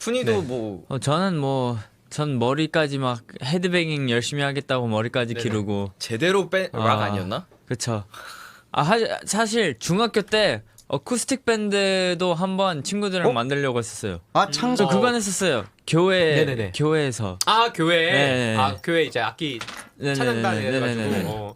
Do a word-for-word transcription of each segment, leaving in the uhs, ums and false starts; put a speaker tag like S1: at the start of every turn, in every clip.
S1: 푼이도
S2: 네.
S1: 뭐
S3: 어, 저는 뭐 전 머리까지 막 헤드뱅잉 열심히 하겠다고 머리까지
S1: 네네.
S3: 기르고
S1: 제대로 뺀 락
S3: 아.
S1: 아니었나?
S3: 그쵸. 아 하, 사실 중학교 때 어쿠스틱 밴드도 한번 친구들이랑
S4: 어?
S3: 만들려고 했었어요.
S4: 아
S3: 저
S4: 창작.
S3: 그건 했었어요. 교회
S2: 네네네.
S3: 교회에서.
S2: 아 교회
S3: 네.
S2: 아 교회 이제 악기
S3: 네네네네.
S2: 찬양단
S3: 네네네네.
S2: 해가지고 어.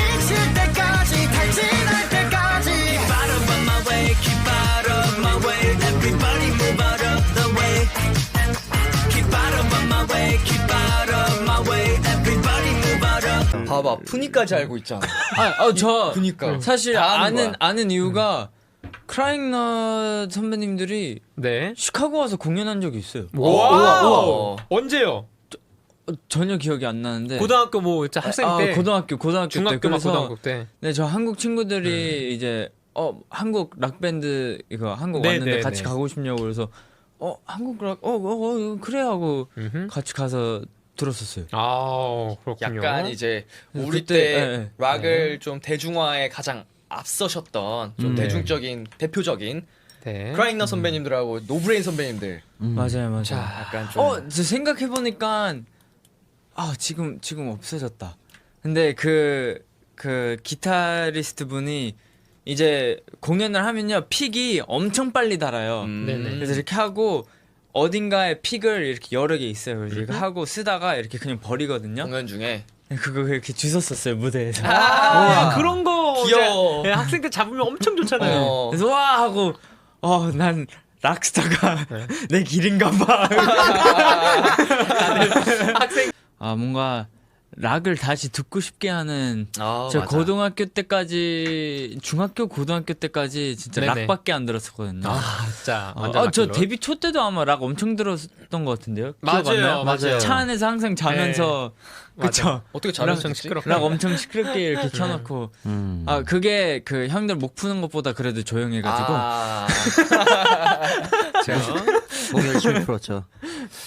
S1: 봐봐 푼이까지 알고 있잖아.
S3: 아, 어, 저
S1: 그니까
S3: 사실
S1: 다 아는
S3: 아는
S1: 거야.
S3: 아는 이유가 크라잉넛 선배님들이
S2: 네.
S3: 시카고 와서 공연한 적이 있어요.
S2: 와우.
S1: 우와.
S2: 언제요?
S3: 어, 전혀 기억이 안 나는데.
S2: 고등학교 뭐 진짜 학생
S3: 아,
S2: 때,
S3: 고등학교 고등학교 때
S2: 중학교 막
S3: 그래서
S2: 고등학교 때.
S3: 네, 저 한국 친구들이 이제 어 한국 락 밴드 이거 한국
S2: 네,
S3: 왔는데
S2: 네,
S3: 같이
S2: 네.
S3: 가고 싶냐고 그래서 어 한국 락 어 어 어, 그래 하고
S2: 음흠.
S3: 같이 가서 들었었어요.
S2: 아 그렇군요.
S1: 약간 이제 우리
S3: 그때,
S1: 때
S3: 예, 예.
S1: 락을 좀 대중화에 가장 앞서셨던 좀
S3: 음.
S1: 대중적인 대표적인
S2: 네.
S1: 크라잉넛 선배님들하고 노브레인 선배님들
S3: 맞아요, 맞아요.
S2: 자,
S1: 약간 좀
S3: 어, 저 생각해 보니까 아 지금 지금 없어졌다. 근데 그 그 기타리스트 분이 이제 공연을 하면요 픽이 엄청 빨리 달아요.
S1: 음.
S2: 네네.
S3: 그래서 이렇게 하고 어딘가에 픽을 이렇게 여러 개 있어요. 그래서 이거 하고 쓰다가 이렇게 그냥 버리거든요.
S1: 공연 중에
S3: 그거 이렇게 주웠었어요 무대에서.
S2: 아 그런 거
S1: 귀여워.
S2: 이제, 네, 학생 때 잡으면 엄청 좋잖아요.
S1: 어.
S3: 그래서 와 하고 어 난 락스타가 내 길인가 봐.
S2: 학생
S3: 아 뭔가 락을 다시 듣고 싶게 하는
S1: 아,
S3: 저
S1: 맞아.
S3: 고등학교 때까지 중학교 고등학교 때까지 진짜
S2: 네네.
S3: 락밖에 안 들었었거든요.
S2: 아 진짜
S3: 아,
S2: 완전
S3: 아, 저
S2: 락킬러.
S3: 데뷔 초 때도 아마 락 엄청 들었던 것 같은데요. 기억 안
S2: 맞아요,
S3: 나요?
S2: 맞아요.
S3: 차 안에서 항상 자면서 그쵸.
S1: 어떻게
S2: 락
S1: 잘하셨지?
S2: 엄청 시끄럽게.
S3: 락 엄청 시끄럽게 이렇게 켜놓고
S4: 음.
S3: 아 그게 그 형들 목 푸는 것보다 그래도 조용해가지고
S1: 아,
S4: 목 열심히 풀었죠.